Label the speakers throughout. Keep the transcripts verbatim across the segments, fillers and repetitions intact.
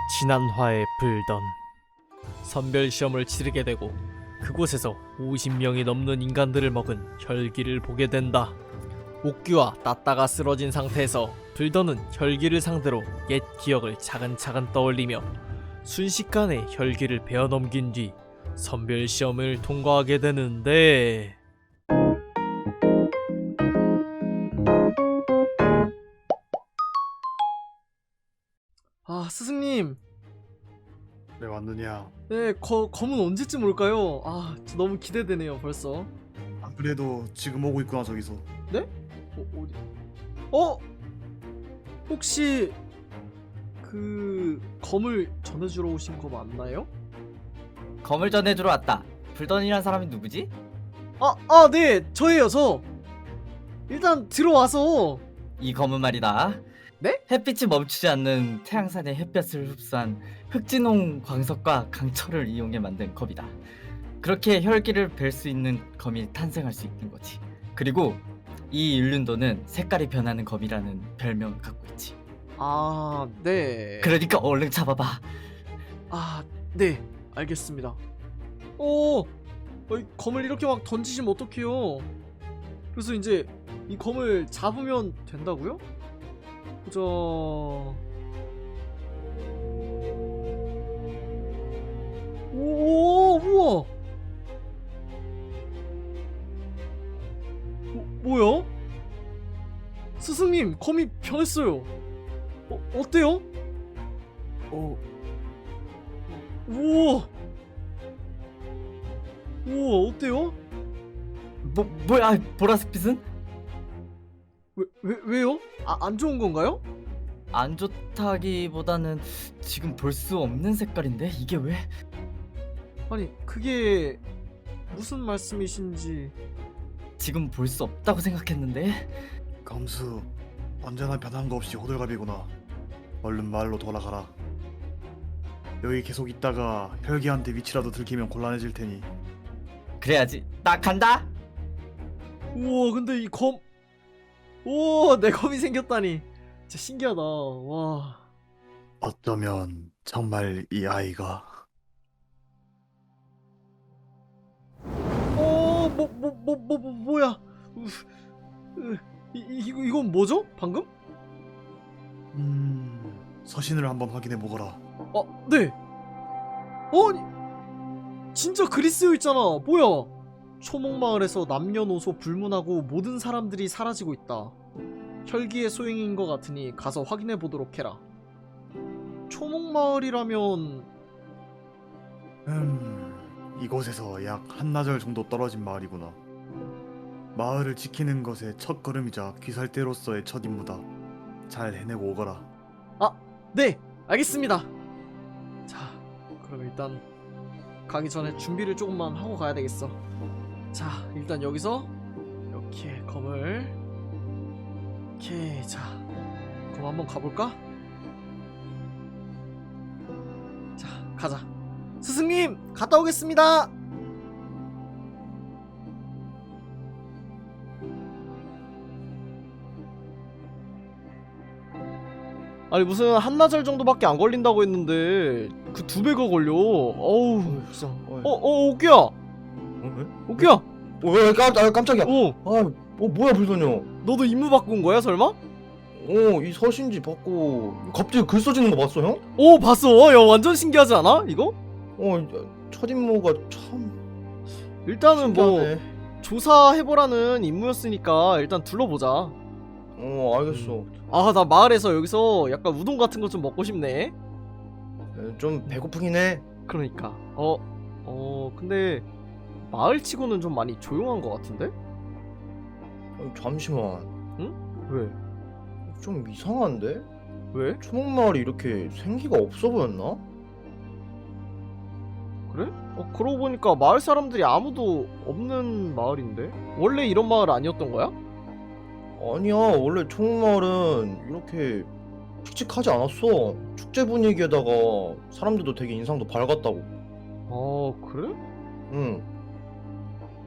Speaker 1: 지난화에 불던 선별시험을 치르게 되고 그곳에서 오십 명이 넘는 인간들을 먹은 혈기를 보게 된다. 옥규와 따따가 쓰러진 상태에서 불던은 혈기를 상대로 옛 기억을 차근차근 떠올리며 순식간에 혈기를 베어넘긴 뒤 선별시험을 통과하게 되는데, 아, 스승님.
Speaker 2: 왜 왔느냐?
Speaker 1: 네, 거, 검은 언제쯤 올까요? 아, 저 너무 기대되네요, 벌써.
Speaker 2: 안 그래도 지금 오고 있구나 저기서.
Speaker 1: 네? 어, 어디? 어? 혹시 그 검을 전해주러 오신 거 맞나요?
Speaker 3: 검을 전해주러 왔다. 불던이란 사람이 누구지?
Speaker 1: 아, 아, 네, 저예요, 저. 일단 들어와서.
Speaker 3: 이 검은 말이다.
Speaker 1: 네?
Speaker 3: 햇빛이 멈추지 않는 태양산의 햇볕을 흡수한 흑진홍 광석과 강철을 이용해 만든 검이다. 그렇게 혈기를 뵐 수 있는 검이 탄생할 수 있는 거지. 그리고 이 일륜도는 색깔이 변하는 검이라는 별명을 갖고 있지.
Speaker 1: 아, 네.
Speaker 3: 그러니까 얼른 잡아봐.
Speaker 1: 아, 네, 알겠습니다. 어, 어이, 검을 이렇게 막 던지시면 어떡해요? 그래서 이제 이 검을 잡으면 된다고요? 보자. 오, 우와. 뭐, 뭐야? 스승님, 검이 변했어요. 어, 어때요?
Speaker 2: 어,
Speaker 1: 우와. 우와, 어때요?
Speaker 3: 뭐 뭐야 보라색빛은?
Speaker 1: 왜, 왜, 왜요? 아, 안 좋은 건가요?
Speaker 3: 안 좋다기보다는 지금 볼 수 없는 색깔인데 이게 왜?
Speaker 1: 아니, 그게 무슨 말씀이신지.
Speaker 3: 지금 볼 수 없다고 생각했는데.
Speaker 2: 감수 언제나 변한 거 없이 호들갑이구나. 얼른 마을로 돌아가라. 여기 계속 있다가 혈기한테 위치라도 들키면 곤란해질 테니.
Speaker 3: 그래야지. 나 간다.
Speaker 1: 우와, 근데 이 검, 우와, 내 검이 생겼다니. 진짜 신기하다. 와.
Speaker 2: 어쩌면 정말 이 아이가.
Speaker 1: 어, 뭐, 뭐, 뭐, 뭐, 뭐 뭐야? 으, 으, 이, 이, 이거, 이건 뭐죠? 방금?
Speaker 2: 음... 서신을 한번 확인해 보거라.
Speaker 1: 어, 네. 어, 진짜 그리스어 있잖아. 뭐야? 초목마을에서 남녀노소 불문하고 모든 사람들이 사라지고 있다. 혈기의 소행인 것 같으니 가서 확인해 보도록 해라. 초목마을이라면
Speaker 2: 음... 이곳에서 약 한나절 정도 떨어진 마을이구나. 마을을 지키는 것의 첫 걸음이자 귀살대로서의 첫 임무다. 잘 해내고 오거라.
Speaker 1: 네, 알겠습니다. 자, 그럼 일단 가기 전에 준비를 조금만 하고 가야 되겠어. 자, 일단 여기서 이렇게 검을 이렇게. 자, 그럼 한번 가볼까? 자, 가자. 스승님, 갔다 오겠습니다. 아니, 무슨 한나절 정도밖에 안 걸린다고 했는데 그 두 배가 걸려. 어우, 진짜. 어, 어, 옥규야.
Speaker 4: 어,
Speaker 1: 옥규야.
Speaker 4: 어, 왜 깜, 아, 깜짝이야.
Speaker 1: 어,
Speaker 4: 아, 어 뭐야 불소녀.
Speaker 1: 너도 임무 바꾼 온 거야, 설마?
Speaker 4: 어, 이 서신지 받고 갑자기 글 써지는 거 봤어, 형?
Speaker 1: 오, 봤어. 야, 완전 신기하지 않아? 이거?
Speaker 4: 어, 첫 임무가 참
Speaker 1: 일단은 뭐
Speaker 4: 신기하네.
Speaker 1: 조사해보라는 임무였으니까 일단 둘러보자.
Speaker 4: 어, 알겠어.
Speaker 1: 아, 나 마을에서 여기서 약간 우동 같은 거 좀 먹고 싶네.
Speaker 4: 에, 좀 배고프긴 해.
Speaker 1: 그러니까. 어, 어, 근데 마을치고는 좀 많이 조용한 것 같은데?
Speaker 4: 어, 잠시만.
Speaker 1: 왜?
Speaker 4: 좀 이상한데?
Speaker 1: 왜?
Speaker 4: 초목마을이 이렇게 생기가 없어 보였나?
Speaker 1: 그래? 어, 그러고 보니까 마을 사람들이 아무도 없는 마을인데? 원래 이런 마을 아니었던 거야?
Speaker 4: 아니야, 원래 초목마을은 이렇게 칙칙하지 않았어. 축제 분위기에다가 사람들도 되게 인상도 밝았다고.
Speaker 1: 어, 그래?
Speaker 4: 응.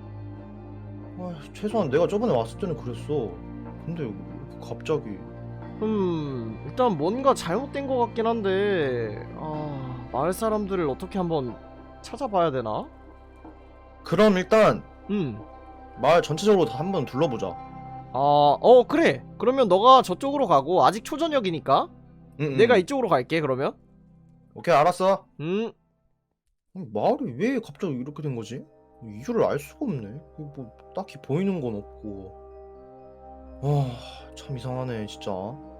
Speaker 4: 아, 최소한 내가 저번에 왔을 때는 그랬어. 근데 왜 갑자기
Speaker 1: 음, 일단 뭔가 잘못된 것 같긴 한데, 아, 마을 사람들을 어떻게 한번 찾아봐야 되나?
Speaker 4: 그럼 일단
Speaker 1: 음,
Speaker 4: 마을 전체적으로 다 한번 둘러보자.
Speaker 1: 아, 어, 그래. 그러면 너가 저쪽으로 가고, 아직 초저녁이니까,
Speaker 4: 응, 응.
Speaker 1: 내가 이쪽으로 갈게, 그러면.
Speaker 4: 오케이, 알았어.
Speaker 1: 음,
Speaker 4: 아니, 마을이 왜 갑자기 이렇게 된 거지? 이유를 알 수가 없네. 뭐 딱히 보이는 건 없고. 아, 참 이상하네, 진짜.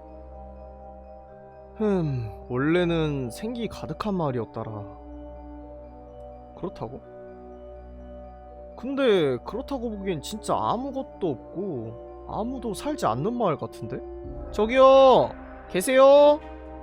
Speaker 1: 흠, 원래는 생기 가득한 마을이었더라. 그렇다고? 근데 그렇다고 보기엔 진짜 아무것도 없고 아무도 살지 않는 마을 같은데? 저기요! 계세요?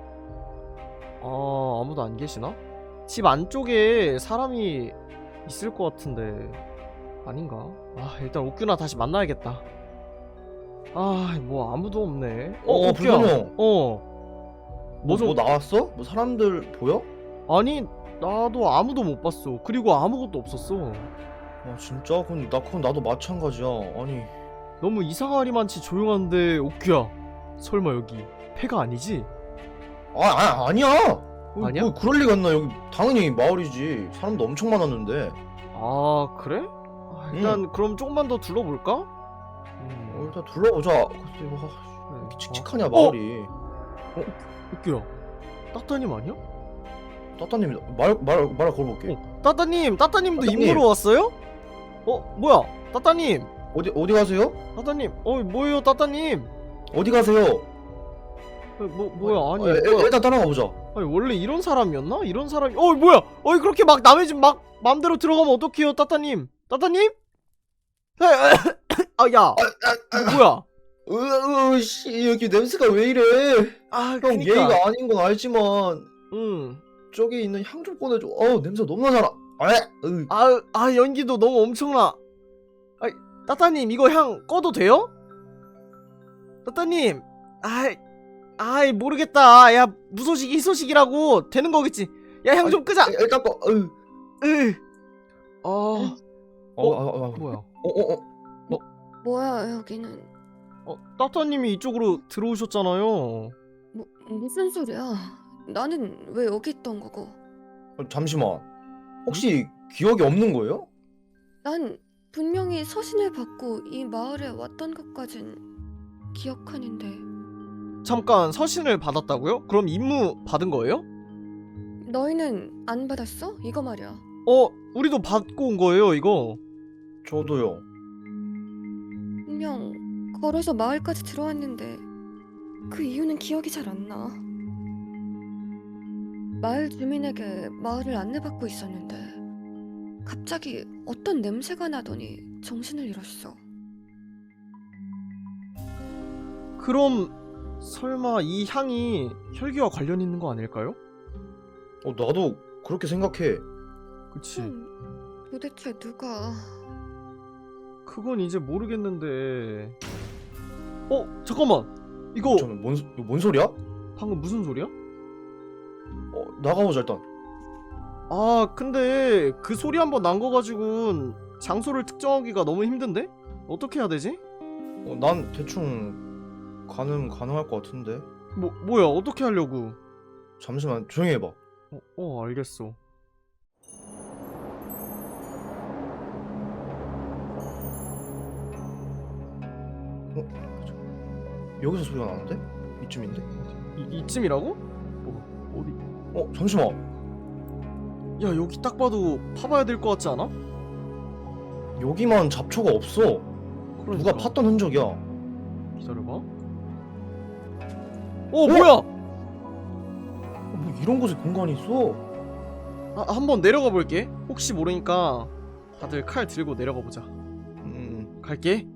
Speaker 1: 아, 아무도 안 계시나? 집 안쪽에 사람이 있을 것 같은데 아닌가? 아, 일단 옥규나 다시 만나야겠다. 아, 뭐 아무도 없네. 어,
Speaker 4: 어,
Speaker 1: 옥규야.
Speaker 4: 불편형.
Speaker 1: 어.
Speaker 4: 뭐,
Speaker 1: 좀-
Speaker 4: 뭐 나왔어? 뭐 사람들 보여?
Speaker 1: 아니, 나도 아무도 못 봤어. 그리고 아무것도 없었어.
Speaker 4: 아, 진짜? 그건, 나, 그건 나도 마찬가지야. 아니,
Speaker 1: 너무 이상하리만치 조용한데 옥규야, 설마 여기 폐가 아니지?
Speaker 4: 아, 아 아니야! 어,
Speaker 1: 아니야?
Speaker 4: 뭐 그럴 리가 있나? 여기 당연히 마을이지. 사람도 엄청 많았는데.
Speaker 1: 아, 그래? 아, 일단 그럼 조금만 더 둘러볼까?
Speaker 4: 어,
Speaker 1: 음,
Speaker 4: 일단 둘러보자. 근데 뭐, 왜
Speaker 1: 그래.
Speaker 4: 이렇게
Speaker 1: 아,
Speaker 4: 칙칙하냐, 마을이.
Speaker 1: 옥규야, 따따님 아니야?
Speaker 4: 따따님, 말, 말, 말 걸어볼게.
Speaker 1: 어, 따따님, 따따님도
Speaker 4: 따따님.
Speaker 1: 임무로 왔어요? 어, 뭐야, 따따님,
Speaker 4: 어디, 어디 가세요?
Speaker 1: 따따님, 어, 뭐예요, 따따님?
Speaker 4: 어디 가세요?
Speaker 1: 어, 뭐, 뭐야, 아니,
Speaker 4: 어, 일-
Speaker 1: 뭐야.
Speaker 4: 일단 따라가 보자.
Speaker 1: 아니 원래 이런 사람이었나? 이런 사람이 어 뭐야? 어이 그렇게 막 남의 집 막 맘대로 들어가면 어떡해요 따따님? 따따님? 아야 뭐야?
Speaker 4: 으, 으, 씨, 여기 냄새가 왜 이래?
Speaker 1: 아
Speaker 4: 형,
Speaker 1: 그니까
Speaker 4: 예의가 아닌 건 알지만,
Speaker 1: 응.
Speaker 4: 저기 있는 향 좀 꺼내줘. 어우, 냄새 너무 나잖아. 아, 으.
Speaker 1: 아, 아 연기도 너무 엄청나. 아 따따님 이거 향 꺼도 돼요? 따따님 아이 아이 모르겠다. 야 무소식이 희소식이라고 되는 거겠지. 야 향 좀 끄자.
Speaker 4: 일단 꺼. 으.
Speaker 1: 으. 어
Speaker 4: 어, 어, 어, 어.
Speaker 1: 뭐야?
Speaker 4: 어, 어, 어.
Speaker 5: 뭐야 여기는.
Speaker 1: 어 따따님이 이쪽으로 들어오셨잖아요.
Speaker 5: 뭐, 무슨 소리야. 나는 왜 여기 있던 거고.
Speaker 4: 어, 잠시만. 혹시 기억이 없는 거예요?
Speaker 5: 난 분명히 서신을 받고 이 마을에 왔던 것까진 기억하는데.
Speaker 1: 잠깐 서신을 받았다고요? 그럼 임무 받은 거예요?
Speaker 5: 너희는 안 받았어? 이거 말이야.
Speaker 1: 어, 우리도 받고 온 거예요, 이거.
Speaker 4: 저도요.
Speaker 5: 분명 걸어서 마을까지 들어왔는데 그 이유는 기억이 잘 안 나. 마을 주민에게 마을을 안내받고 있었는데 갑자기 어떤 냄새가 나더니 정신을 잃었어.
Speaker 1: 그럼 설마 이 향이 혈기와 관련 있는 거 아닐까요?
Speaker 4: 어, 나도 그렇게 생각해.
Speaker 1: 그치.
Speaker 5: 음, 도대체 누가...
Speaker 1: 그건 이제 모르겠는데. 어, 잠깐만. 이거
Speaker 4: 잠깐만, 뭔, 소- 이거 뭔 소리야?
Speaker 1: 방금 무슨 소리야?
Speaker 4: 어, 나가보자, 일단.
Speaker 1: 아, 근데 그 소리 한번 난 거 가지고는 장소를 특정하기가 너무 힘든데? 어떻게 해야 되지?
Speaker 4: 어, 난 대충 가능, 가능할 것 같은데.
Speaker 1: 뭐, 뭐야, 어떻게 하려고?
Speaker 4: 잠시만, 조용히 해봐.
Speaker 1: 어, 어 알겠어.
Speaker 4: 여기서 소리가 나는데? 이쯤인데?
Speaker 1: 이, 이쯤이라고? 어, 어디?
Speaker 4: 어, 잠시만.
Speaker 1: 야, 여기 딱 봐도 파봐야 될 것 같지 않아?
Speaker 4: 여기만 잡초가 없어.
Speaker 1: 그러니까.
Speaker 4: 누가 팠던 흔적이야.
Speaker 1: 기다려봐. 어, 뭐야?
Speaker 4: 어, 뭐 이런 곳에 공간이 있어?
Speaker 1: 아, 한번 내려가 볼게. 혹시 모르니까 다들 칼 들고 내려가 보자.
Speaker 4: 음,
Speaker 1: 갈게.